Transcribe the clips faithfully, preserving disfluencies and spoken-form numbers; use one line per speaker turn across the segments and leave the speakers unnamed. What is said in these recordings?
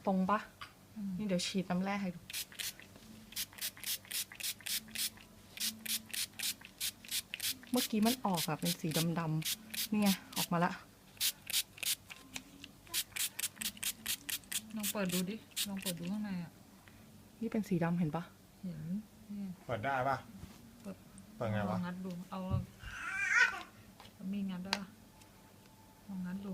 ตรงปะนี่เดี๋ยวฉีดน้ำแร่ให้ดูเมื่อกี้มันออกอะเป็นสีดำๆนี่ไงออกมาละ
ลองเปิดดูดิลองเปิดดูข้างในอ่ะ
นี่เป็นสีดำเห็นปะ
เห็นนี่
เปิดได้ปะเปิดไง
ล
วะ
องงัดดูเอามีงัดได้ปะลองงัดดู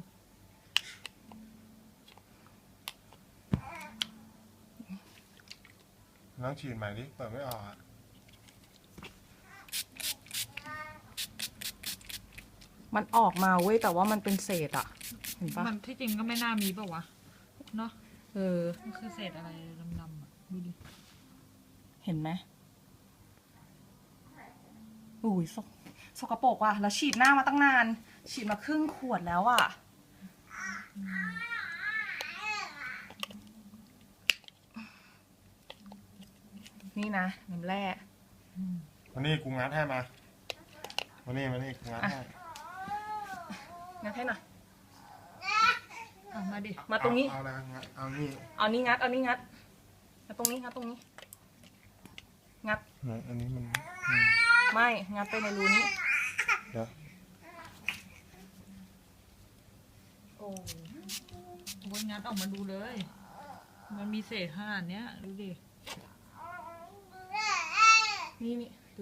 น้องฉีดใหม่ดิเปิดไม่ออกอะ
มันออกมาเว้ยแต่ว่ามันเป็นเศษอะเห็นปะ
มันที่จริงก็ไม่น่ามีป่าวะเนาะ
เออ
มันคือเศษอะไรดำๆอ่ะดูดิ
เห็นไหมอุ้ยสกสกปรกว่ะแล้วฉีดหน้ามาตั้งนาน ฉีดมาครึ่งขวดแล้วอะนี่นะน้ำแร่
มานี่กูงัดให้มามานี่มานี่กูงัดให้
งัดให้หน่อย
เอามาดิ
มาตรงนี้
เอาอะไรงัดเอานี่
เอานี่งัด เอานี่งัดงัดตรงนี้งัดตรงนี้ งัด
ไหนอันนี้มันอืม
ไม่ งัดไปในรูนี้
เดี๋ยว
โอ้
โอ้ยงัดออกมาดูเลย มันมีเศษขนาดเนี้ยดูดิ
นี่นี่ดู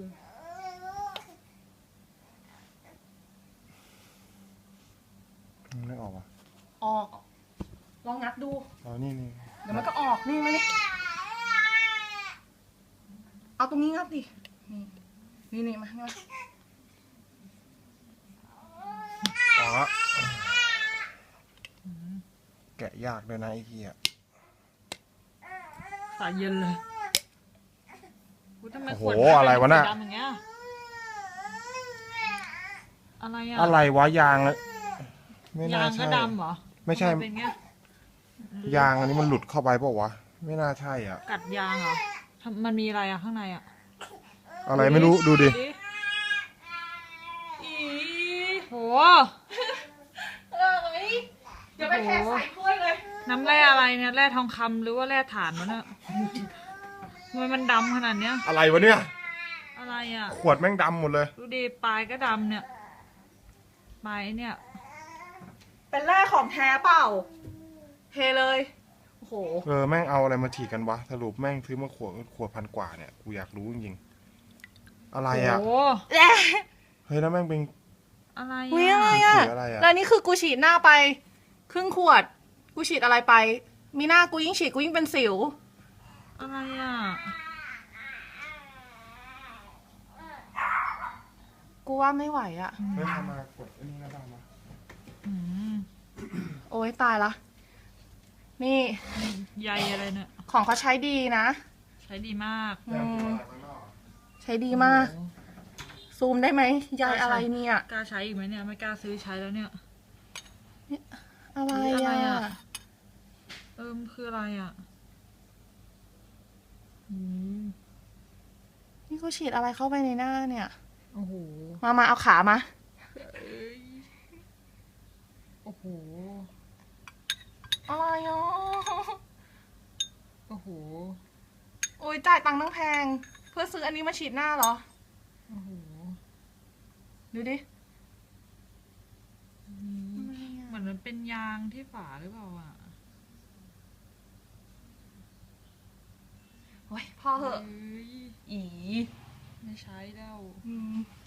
มันไม่ออกอ่ะ
ออก ลองงัดดู
เอานี่นี่
เดี๋ยวมันก็ออก นี่มานี่เอาตรงนี้งัดดิ นี่ นี่นี่มางัด
ออกละแกะยากเลยนะไอ้เหี้ย
สายเย็นเลยอุ๊ยทำไม
โอ้โห
ขวด
อะไรวะน่ะ
สีดำอย่างเงี้ยอะไรอ่ะ
อะไรวะยางเลยไม่น่าย
างก็
ใช่
ดำเหรอ
ไม่ใช่
ทำเป็นเงี้ย
ยางอันนี้มันหลุดเข้าไปเปล่าวะไม่น่าใช่อ่ะ
กัดยางเหรอทำมันมีอะไรอ่ะข้างในอ่ะ
อะไรไม่รู้ดูดิ
อีโห
เอ้ยอย่าไปแทะใส่ถ้วยเลย
น้ำแร่อะไรเนี่ยแร่ทองคำหรือว่าแร่ถ่านวะเนี่ยทำไมมันดำขนาดเนี้ย
อะไรวะเนี่ย
อะไรอ่ะ
ขวดแม่งดำหมดเลย
ดูดิปลายก็ดำเนี่ยปลายเนี่ย
เป็นแร่ของแท้เปล่า เทเลย โอ้โห
เออแม่งเอาอะไรมาฉีดกันวะสรุปแม่งซื้อมาขวดขวดพันกว่าเนี่ยกูอยากรู้จริงๆอะไรอ่ะ
โอ้
แร่
เฮ้ยแล้วแม่งเป็น
อะไร
อุ้ยอะไร
อ่ะ
อ่ะ
สีอะไรอะ
แล้วนี่คือกูฉีดหน้าไป ครึ่งขวด กูฉีดอะไรไป มีหน้ากูยิ่งฉีดกูยิ่งเป็นสิว
อะไรอ่ะ
กูว่าไม่ไหวอ่ะ
เฮ้ยทำมากดอันนี้ก็ได้มา
อืม
โอ้ยตายละ นี่
ใยอะไรเนี่ย
ของเขาใช้ดีนะ
ใช้ดีมาก
อืมใช้ดีมาก
โอ้โห
ซูมได้ไหมยายอะไรเนี่ย
กล้าใช้อีกไหมเนี่ยไม่กล้าซื้อใช้แล้วเนี่ย
อะไร
อะไร
อ่ะ
อะ เออมันคืออะไรอ่ะอืม
นี่กูฉีดอะไรเข้าไปในหน้าเนี่ย
โอ้โห
มามาเอาขามา
เอ้ยโอ้โห
อะไรอ่ะ
โอ้โห
โอ้ยจ่ายตังค์ตั้งแพง เพื่อซื้ออันนี้มาฉีดหน้าเหรอ
โอ้โห
ดูดิ
อืมเหมือนมันเป็นยางที่ฝาหรือเปล่าอ่ะ
โอ้ยพ่อเหอะ
เอ้ย
อี
ไม่ใช้แล้ว
อืม